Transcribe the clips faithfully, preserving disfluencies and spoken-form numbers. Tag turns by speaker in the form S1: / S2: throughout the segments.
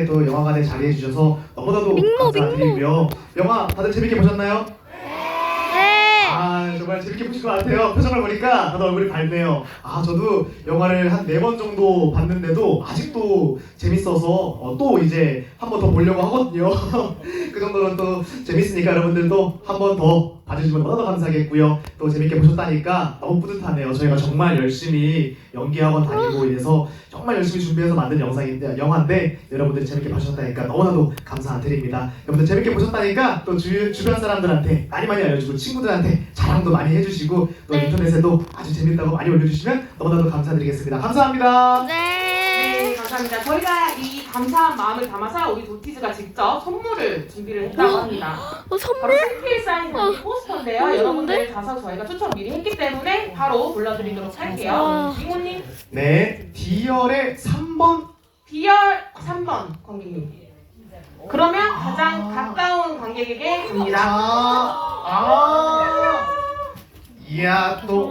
S1: 또 영화관에 자리해 주셔서 너무나도
S2: 민모,
S1: 감사드리고요. 영화 다들 재밌게 보셨나요?
S2: 네.
S1: 아 정말 재밌게 보신 것 같아요. 표정을 보니까 다들 얼굴이 밝네요. 아 저도 영화를 한 네 번 정도 봤는데도 아직도 재밌어서 어, 또 이제 한 번 더 보려고 하거든요. 그 정도로 또 재밌으니까 여러분들도 한 번 더 봐주시면 너무나도 감사하겠고요. 또 재밌게 보셨다니까 너무 뿌듯하네요. 저희가 정말 열심히 연기학원 다니고 이래서 정말 열심히 준비해서 만든 영상인데 영화인데 여러분들이 재밌게 봐주셨다니까 너무나도 감사드립니다. 여러분들 재밌게 보셨다니까 또 주, 주변 사람들한테 많이 많이 알려주고 친구들한테 자랑도 많이 해주시고 또
S2: 네.
S1: 인터넷에도 아주 재밌다고 많이 올려주시면 너무나도 감사드리겠습니다. 감사합니다.
S2: 네.
S3: 네, 감사합니다. 저희가 이 감사한 마음을 담아서 우리 도티즈가 직접 선물을 준비를 했다고 합니다.
S2: 어,
S3: 바로
S2: 선물?
S3: 생필 사인
S2: 어.
S3: 포스터인데요.
S2: 어,
S3: 여러분들 가서 저희가 추천 미리 했기 때문에 바로 골라드리도록 할게요.
S2: 와.
S3: 이모님,
S1: 네, D열의 삼 번.
S3: B열 삼 번 관객님. 그러면 가장 가까운 관객에게 갑니다.
S1: 아, 아, 이야 또.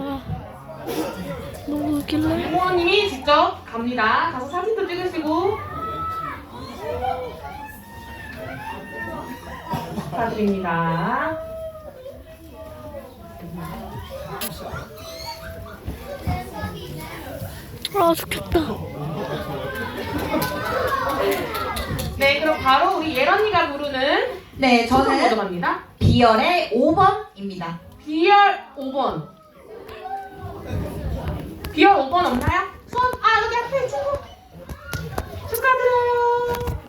S2: 너무 웃길래?
S3: 이모님이 직접 갑니다. 가서 사진도 찍으시고 축하드립니다.
S2: 아, 좋겠다.
S3: 네, 그럼 바로 우리 예런이가 부르는
S4: 네,
S3: 저는
S4: 저는
S3: 모드 갑니다.
S4: B열의 오 번입니다.
S3: B열 오 번. B열 오 번 없나요? 손, 아 여기 앞에 친구. 축하드려요.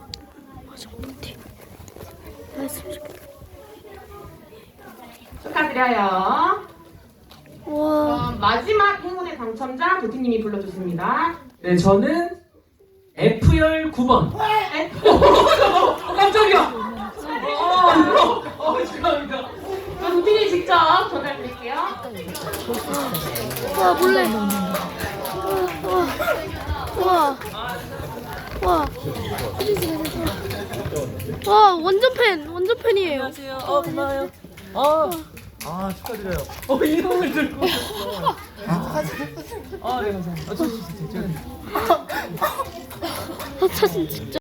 S2: 말씀 좀.
S3: 축하드려요.
S2: 와.
S3: 그럼 마지막 행운의 당첨자 도티님이 불러주십니다.
S5: 네, 저는 F열 구 번.
S3: 네.
S5: 어, 깜짝이야. 어, 어, 축하합니다.
S3: 그럼 도티님 직접 전달드릴게요.
S2: 와, 몰래. 와. 와. 와. 와, 완전 팬. 완전 팬이에요.
S5: 안녕하세요. 어, 고마워요. 어. 아, 축하드려요. 어, 이름을 들고 오셨어. 아, 네, 감사합니다. 아, 저, 저, 저, 저,
S2: 아, 사진 진짜.